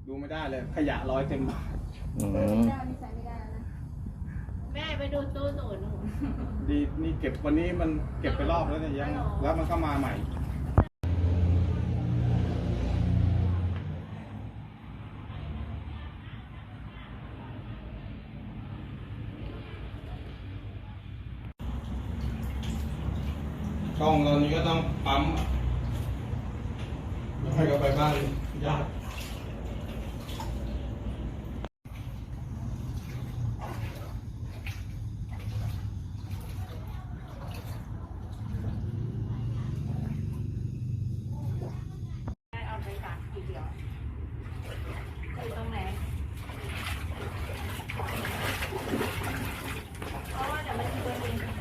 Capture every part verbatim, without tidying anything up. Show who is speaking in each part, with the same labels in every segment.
Speaker 1: ดูไม่ได้เลยขยะร้อยเต็มบ้าน
Speaker 2: อืม
Speaker 3: แม่ไปดูตู้หนูหนู
Speaker 1: ดีนี่เก็บวันนี้มันเก็บไปรอบแล้วเนี่ยยังแล้วมันก็มาใหม่กล้องตอนนี้ก็ต้องปั๊มแล้วให้เขาไปบ้านญาติ
Speaker 3: เอาไปฝากกี่เดียวอยู่ตรงไหนเพราะว่าเดี๋ยวมันจะเป็น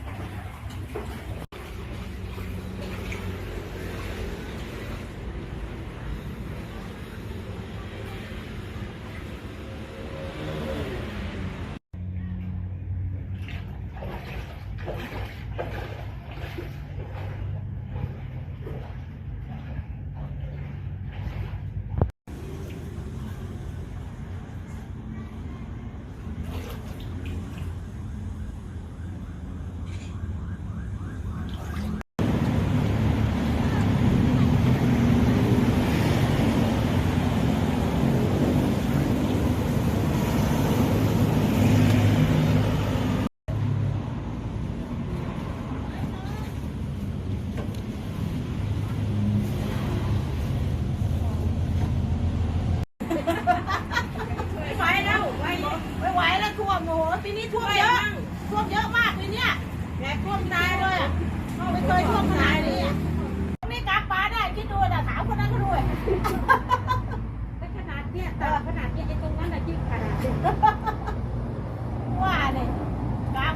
Speaker 4: ปีนี้ท่วมเยอะท่วมเยอะมากปีนี้แหมท่วมตายเลยอ่ะไม่เคยท่วมขนาดนี้นี่กางปลาได้คิดดูนะถามคนนั้นก็ด้วยขนาดเนี้ยแต่ขนาดเนี้ยไอ้ตรงนั้นน่ะยิ่งขนาดนี้ว่าเนี่ยกาง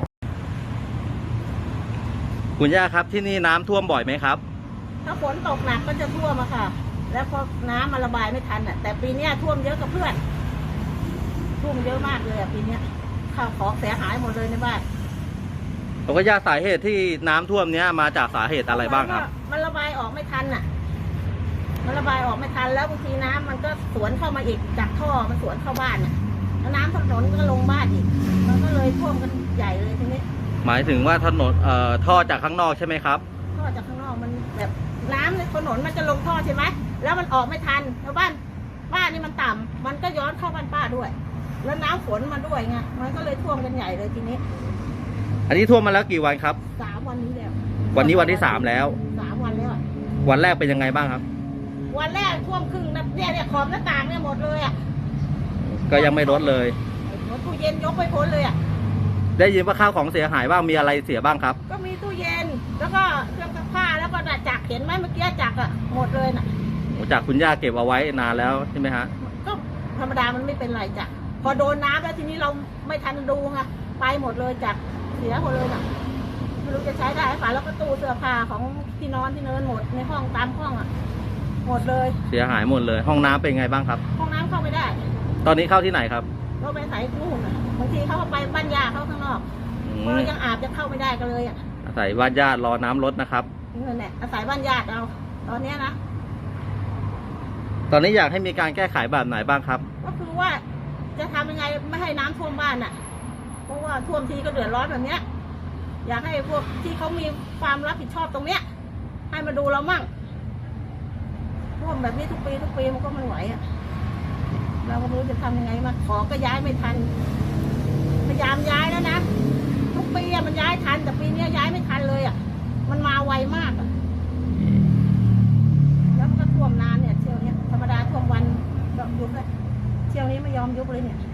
Speaker 2: คุณย่าครับที่นี่น้ำท่วมบ่อยไหมครับ
Speaker 4: ถ้าฝนตกหนักก็จะท่วมอะค่ะแล้วพอน้ำมันระบายไม่ทันอ่ะแต่ปีนี้ท่วมเยอะกับเพื่อนท่วมเยอะมากเลยอ่ะปีนี้ข้าวของเสียหายหมดเลยในบ้าน
Speaker 2: ผมก็ย่าสาเหตุที่น้ำท่วมเนี้ยมาจากสาเหตุอะไรบ้างครับ
Speaker 4: มันระบายออกไม่ทันอ่ะมันระบายออกไม่ทันแล้วบางทีน้ำมันก็สวนเข้ามาอีกจากท่อมันสวนเข้าบ้านอ่ะแล้วน้ำถนนก็ลงบ้านอีกมันก็เลยท่วมกันใหญ่เลยทีนี้
Speaker 2: หมายถึงว่าถนนเอ่อท่อจากข้างนอกใช่ไหมครับ
Speaker 4: ท่อจากข้างนอกมันแบบน้ำในถนนมันจะลงท่อใช่ไหมแล้วมันออกไม่ทันแล้วบ้านบ้านนี่มันต่ำมันก็ย้อนเข้าบ้านป้าด้วยแล้วน้ำฝนมาด้วยไงมันก็เลยท่วมกันใหญ่เลยทีนี้
Speaker 2: อันนี้ท่วมมาแล้วกี่วันครับ
Speaker 4: สามวันนี้แล้ว
Speaker 2: วันนี้วันที่สามแล้ว
Speaker 4: สามวันแล้ว
Speaker 2: วันแรกเป็นยังไงบ้างครับ
Speaker 4: วันแรกท่วมครึ่งนะเนี่ยเนี่ยขอบหน้าต่างเนี่ยหมดเลยอ่ะ
Speaker 2: ก็ยังไม่ลดเลย
Speaker 4: ตู้เย็นยกไปพ้นเลยอ่ะ
Speaker 2: ได้ยินว่าข้าวของเสียหายบ้างมีอะไรเสียบ้างครับ
Speaker 4: ก็มีตู้เย็นแล้วก็เครื่องซักผ้าแล้วก็จักรเห็นไหมเมื่อกี้จักรอ่ะหมดเลยน่ะ
Speaker 2: จากคุณย่าเก็บเอาไว้นานแล้วใช่ไหมฮะ
Speaker 4: ก็ธรรมดามันไม่เป็นไรจ้ะพอโดนน้ำแล้วทีนี้เราไม่ทันดูไงไปหมดเลยจากเสียหมดเลยน่ะไม่รู้จะใช้ได้หรือเปล่าแล้วก็ตู้เสื้อผ้าของที่นอนที่เนินหมดในห้องตามห้องอ่ะหมดเลย
Speaker 2: เสียหายหมดเลยห้องน้ำเป็นไงบ้างครับ
Speaker 4: ห้องน้ำเข้าไม่ได้
Speaker 2: ตอนนี้เข้าที่ไหนครับ
Speaker 4: เราไปใส่นู่นบางทีเขาไปบ้านญาติเขาข้างนอกเรายังอาบจะเข้าไม่ได้กันเลยอ่ะ
Speaker 2: อาศัยบ้านญาติรอน้ำลดนะครับ
Speaker 4: นี่แหละอาศัยบ้านญาติเราตอนนี้นะ
Speaker 2: ตอนนี้อยากให้มีการแก้ไขแบบไหนบ้างครับ
Speaker 4: ก็คือว่าจะทำยังไงไม่ให้น้ำท่วมบ้านน่ะเพราะว่าท่วมทีก็เดือดร้อนแบบเนี้ยอยากให้พวกที่เขามีความรับผิดชอบตรงเนี้ยให้มาดูเรามั่งท่วมแบบนี้ทุกปีทุกปีมันก็ไม่ไหวอ่ะเราก็ไม่รู้จะทำยังไงมาของก็ย้ายไม่ทันพยายามย้ายแล้วนะทุกปีมันย้ายทันแต่ปีนี้ย้ายไม่ทันเลยอ่ะมันมาไวมากอ่ะแล้วมันก็ท่วมนานเนี่ยเที่ยวนี้ธรรมดาท่วมวันก็ยุบเลยเที่ยวนี้ไม่ยอมยุบเลยเนี่ย